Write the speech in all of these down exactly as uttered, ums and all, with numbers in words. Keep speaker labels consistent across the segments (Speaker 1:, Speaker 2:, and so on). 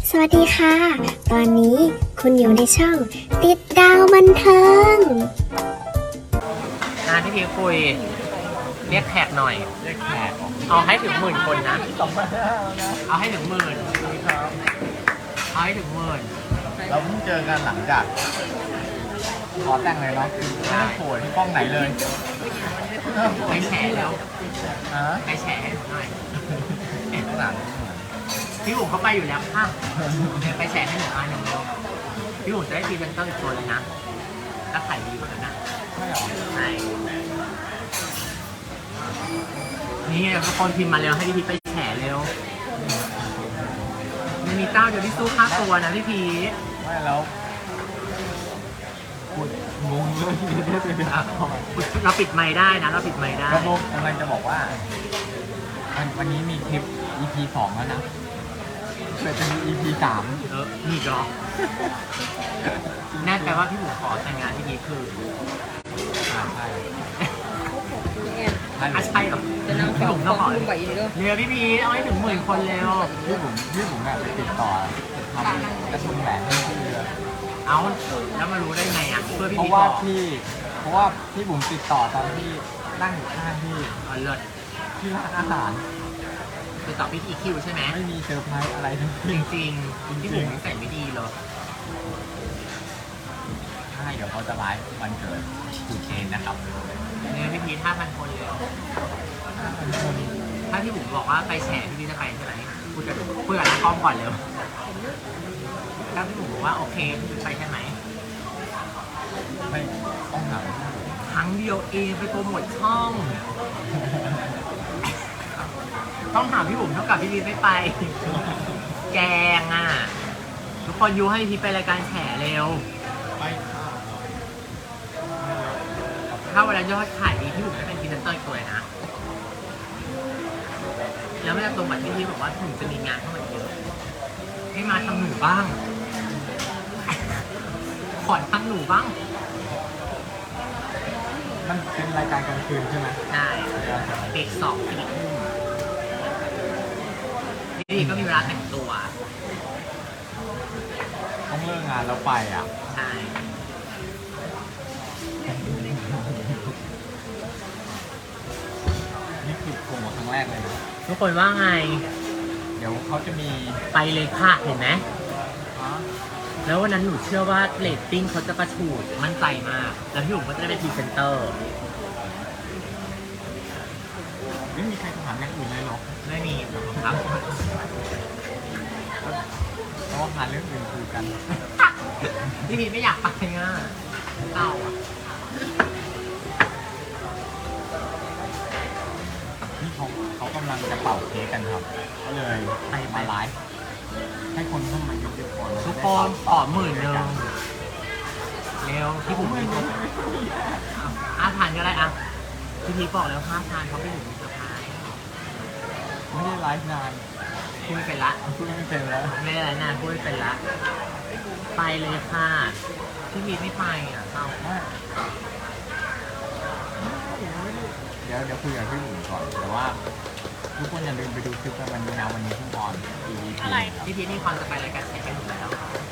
Speaker 1: สวัสดีค่ะ ตอนนี้คุณอยู่ในช่องติดดาวบันเทิง
Speaker 2: งานที่พี่คุยเรียกแขกหน่อยเรียกแขกเอาให้ถึงหมื่นคนนะสองพันห้านะเอาให้ถึงหมื่นเอาให้ถึงหมื่น
Speaker 3: เราเพิ่งเจอกันหลังจากขอแต่งเลยเนาะไม่ได้โผล่ที่กล้องไหนเลย
Speaker 2: ไปแฉแล้ว
Speaker 3: ฮะ
Speaker 2: ไปแฉให้หนูหน่อย
Speaker 3: ข้างหลัง
Speaker 2: พี่บุ๋มเขาไปอยู่แล้วค่ะไปแฉให้หนูหน่อยหนึ่งพี่บุ๋มจะได้พรีเซนเตอร์อีกตัวเลยนะถ้าขายดีกว่านั้นนะ
Speaker 3: ใช่หรอ
Speaker 2: ใช่นี่ทุกคนพิมพ์มาเร็วให้พี่พีไปแฉเร็วมันมีเจ้าเดียวที่สู้ค่าตัวนะพี่พี
Speaker 3: ไม่แล้วงงเลย
Speaker 2: เราปิดไมค์ได้นะเราปิดไมค์ได้
Speaker 3: ก็กำลังจะบอกว่าวันนี้มีคลิป อี พี สองแล้วนะเกิดจะมี อี พี สาม
Speaker 2: เออนี่ก็แน่ใจว่าพี่บุ๋มขอแต่งงานที่นี้คือ
Speaker 3: อ่าใช่
Speaker 2: อ่ะใช่หรอพี่บุ๋มต้องขอเร็วพี่พีเอาให้ถึงหมื่นคนเร็ว
Speaker 3: พี่บุ๋มพี่บุ๋มแบบไปติดต่อทำกระทุนแหวนให้พี่เลย
Speaker 2: เอาแล้วมารู้ได้ไงอ่ะเพื่อพี่
Speaker 3: เพราะว่าพี่เพราะว่าพี่บุ๋มติดต่อตอนที่นั่งอยู่ข้างพี่
Speaker 2: อ๋อเลิศ
Speaker 3: ที่ร้านอาหาร
Speaker 2: ติดต่อพี่อีคิวใช่ไหม
Speaker 3: ไม่มีเซอร์ไพรส์อะไรทั้ง
Speaker 2: จริงจริงพี่บุ๋มใส่ไม่ดีเลย
Speaker 3: ใช่เดี๋ยวเขาจะไลฟ์วันเกิดคุณเคนนะครับ
Speaker 2: เนี่ยพี่พีห้าพันคนเลยถ้าพี่บุ๋มบอกว่าไปแฉพี่พีจะไปใช่ไหมพูดกับพูดกับนักกล้องก่อนเร็วถ้าพี่บุ๋มบอกว่าโอเคพี่พีไปใช่ไหม
Speaker 3: ไม่ต้องถาม
Speaker 2: ครั้งเดียวเองไปโปรโมทช่องต้องถามพี่บุ๋มเท่ากับพี่พีไม่ไปแกงอ่ะทุกคนยูให้พี่ไปรายการแฉเร็ว
Speaker 3: ไป
Speaker 2: ถ้าเวลายอดขายดีพี่บุ๋มจะเป็นพรีเซนเตอร์ตัวนะแล้วไม่ได้ตรงกับที่พี่บอกว่าถึงจะมีงานเข้ามาเยอะให้มาทำหนูบ้างขอทำหนูบ้าง
Speaker 3: มันเป็นรายการกลางคืนใช่ไหม
Speaker 2: ใช่เด็กสองสี่ทุ่มพี่ก็มีเวลาแต่งตัว
Speaker 3: ต้องเลิกงานแล้วไปอ่ะ
Speaker 2: ใช่
Speaker 3: นี่คือโปรโมทครั้งแรกเลยนะ
Speaker 2: ทุกคนว่าไง
Speaker 3: เดี๋ยวเขาจะมี
Speaker 2: ไปเลยค่ะเห็นไหมแล้ววันนั้นหนูเชื่อว่าเรตติ้งเขาจะกระฉูดมั่นใจมากแล้วพี่บุ๋มก็จะได้เป็นพรีเซนเตอร์
Speaker 3: ไม่มีใครถามอย่างอื่นเลยหรอ
Speaker 2: ไม่มีครับ
Speaker 3: เพราะว่าหาเรื่องอื่นคุยกัน
Speaker 2: พี่พีไม่อยากไปอ่ะเต่าอ่ะ
Speaker 3: นี่เขาเขากำลังจะเป่าเค้กกันครับก็เลยมาไลฟ์ให้คนเข้ามาเยอะๆก่อน
Speaker 2: ทุกคนขอหมื่นหนึ่งเร็วพี่บุ๋มไม่รู้ห้าพันก็ได้อ่ะพี่พีบอกแล้วห้าพันเขาไม่ถึงเซอร์ไพรส์
Speaker 3: ไม่ได้ไลฟ์นาน
Speaker 2: พูดไม่เป็นละ
Speaker 3: พูดไม่เป็นแล้ว
Speaker 2: ไม่ได้ไลฟ์นานพูดไม่เป็นละไปเลยค่ะพี่พีไม่ไปอ่ะเศร้า
Speaker 3: เดี๋ยวเดี๋ยวคุยกับพี่บุ๋มก่อนแต่ว่าทุกคนอย่าลืมไปดูคลิปกันวันนี้นะวันนี้ทุกคน
Speaker 2: อะไรพี่พีนี่คอนจะไปรายการแข่งกันอยู่แล้ว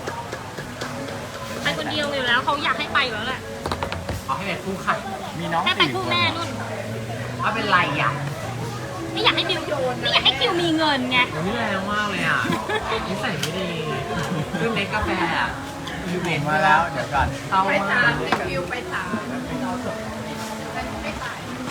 Speaker 4: ไปคนเดียวอยู่แล้วเขาอยากให้ไปอยู่แล้วแหละ
Speaker 2: เขาให้ไปคู่ค่ะ
Speaker 3: มีน้อง
Speaker 4: ให้ไปคู่แม่นุ่น
Speaker 2: ว่าเป็นไรอ่ะ
Speaker 4: ไม่อยากให้บิวโยนไม่อยากให้คิวมีเงินไง
Speaker 2: นี่แรงมากเลยอ่ะนิสัยไม่ดีเรื่องเล็กกาแฟอ่ะ
Speaker 3: ยูเวนมาแล้วเดี๋ยวก่อน
Speaker 2: ไปถามคิวไปถาม
Speaker 4: ไม่ไป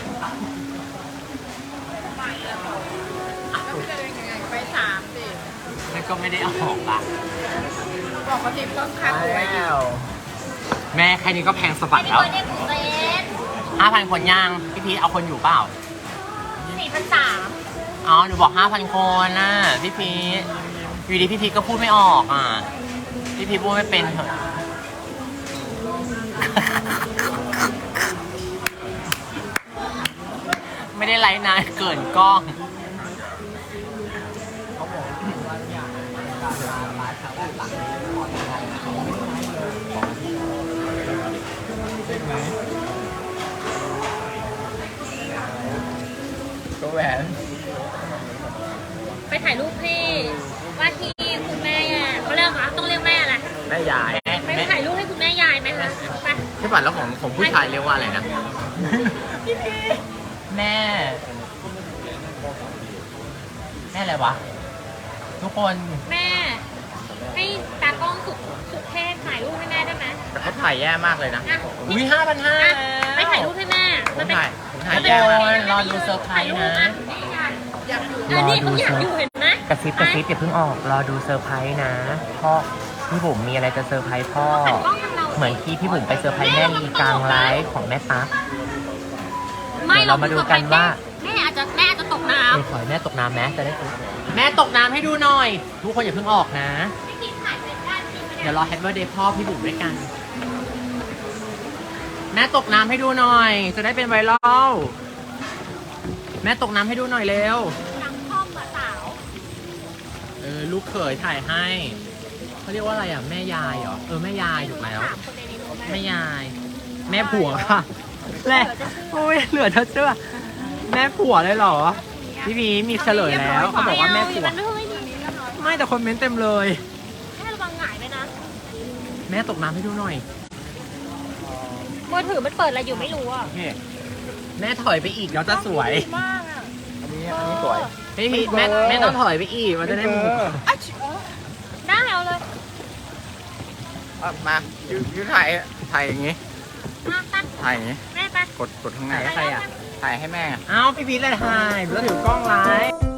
Speaker 4: ไปแล้วแล้วจะยังไงไปถามสิ
Speaker 2: แล้วก็ไม่ได้เอาออกละ
Speaker 4: บอกเขาติดต้นค่าตัว
Speaker 2: แล้วแม่แค่นี้ก็แพงสะบัดแล้วห้าพันคนย่างพี่พีเอาคนอยู่เปล่า
Speaker 4: สี่พันสาม
Speaker 2: อ๋อหนูบอกห้าพันคนน่ะพี่พีอยู่ดีพี่พีก็พูดไม่ออกอ่ะพี่พีพูดไม่เป็นเถอะไม่ได้ไลฟ์นานเกินกล้อง
Speaker 3: ก็แหวน
Speaker 4: ไปถ่ายรูปพี่ว่าที่คุณแม่อ่ะ
Speaker 2: แม่ยาย
Speaker 4: ไปถ่ายรูปให้คุณแม่ยายไหมคะไป
Speaker 2: พี่ปัดแล้วของของผู้ชายเรียกว่าอะไรนะ แม่ แม่อะไรวะ ทุกคน
Speaker 4: แม่ ให้ตากล้องสุดสุดเทพถ่ายรูปให้แม่ได้ไหม
Speaker 2: แต่เขาถ่ายแย่มากเลยนะ
Speaker 4: อ่ะ
Speaker 2: อุ้ยห้าพันห้า
Speaker 4: อ่ะไปถ่ายรูปให้แม่
Speaker 2: ผมถ่ายผมถ่าย
Speaker 4: มันเป็น
Speaker 2: แย่
Speaker 4: มัน
Speaker 2: มาก
Speaker 4: เป็น
Speaker 2: รอดูเซอร์ไพรส์นะ
Speaker 4: อยากอยู่อันนี้เขาอยากอยู่เห็นไหม
Speaker 2: กระซิบกระซิบอย่าเพิ่งออก รอดูเซอร์ไพรส์นะ พ่อ พี่บุ๋มมีอะไรจะเซอร์ไพรส์พ่อ เหมือนที่พี่บุ๋มไปเซอร์ไพรส์แม่ลีกลางไลฟ์ของแม่ตั๊ก
Speaker 4: ไม่
Speaker 2: เดี๋ยวเรามาดูกันว่า
Speaker 4: แม่อาจจะแม่อาจจะตกน้
Speaker 2: เออขอให้แม่ตกน้ำแม่จะได้แม่ตกน้ำให้ดูหน่อย ทุกคนอย่าเพิ่งออกนะ
Speaker 4: ำไม่กินถ่ายเป็นได้ไม่กิน
Speaker 2: เดี๋ยวรอแฮปปี้เดย์พ่อพี่บุ๋มด้วยกัน แม่ตกน้ำให้ดูหน่อย จะได้เป็นไวรัล แม่ตกน้ำให้ดูหน่อยเร็ว
Speaker 4: ดังพ่อมาสาว
Speaker 2: เออลูกเขยถ่ายให้เขาเรียกว่าอะไรอ่ะแม่ยายเหรอ เออแม่ยายถูกแล้ว
Speaker 4: ถามคนในนี้รู้ไหม
Speaker 2: แม่ยาย แม่ผัวค่ะแหละโอ้ยเหลือเธอเชื่อแม่ผัวเลยเหรอ พี่พีมีเฉลยแล้วเขาบอกว่าแม่ผัว
Speaker 4: มันไม่ค่อยดี
Speaker 2: ไม่แต่คนเม้นต์เต็มเลย
Speaker 4: แค่ระวังหงายไปนะ
Speaker 2: แม่ตกน้ำให้ดูหน่อย
Speaker 4: มือถือมันเปิดอะไรอยู่ไม่รู้อ่ะ
Speaker 2: โอเคแม่ถอยไปอีกแล้วจะสวย
Speaker 4: มากอ่ะ
Speaker 3: อันนี้อันนี้สวย
Speaker 2: ไม่มีแม่แม่ต้องถอยไปอีกมันจะได้มุม
Speaker 4: ได้เอาเลย
Speaker 3: อ่ะมายูยูถ่ายถ่ายอย่างงี้
Speaker 4: มาตั้ง
Speaker 3: ถ่ายอย่างงี้
Speaker 4: แม่ไป
Speaker 3: กดกดข้างใน
Speaker 2: ใครอ่ะ
Speaker 3: ถ่ายให้แม่
Speaker 2: เอ้าพี่พีทเลยถ่ายแล้วถือกล้องไลฟ์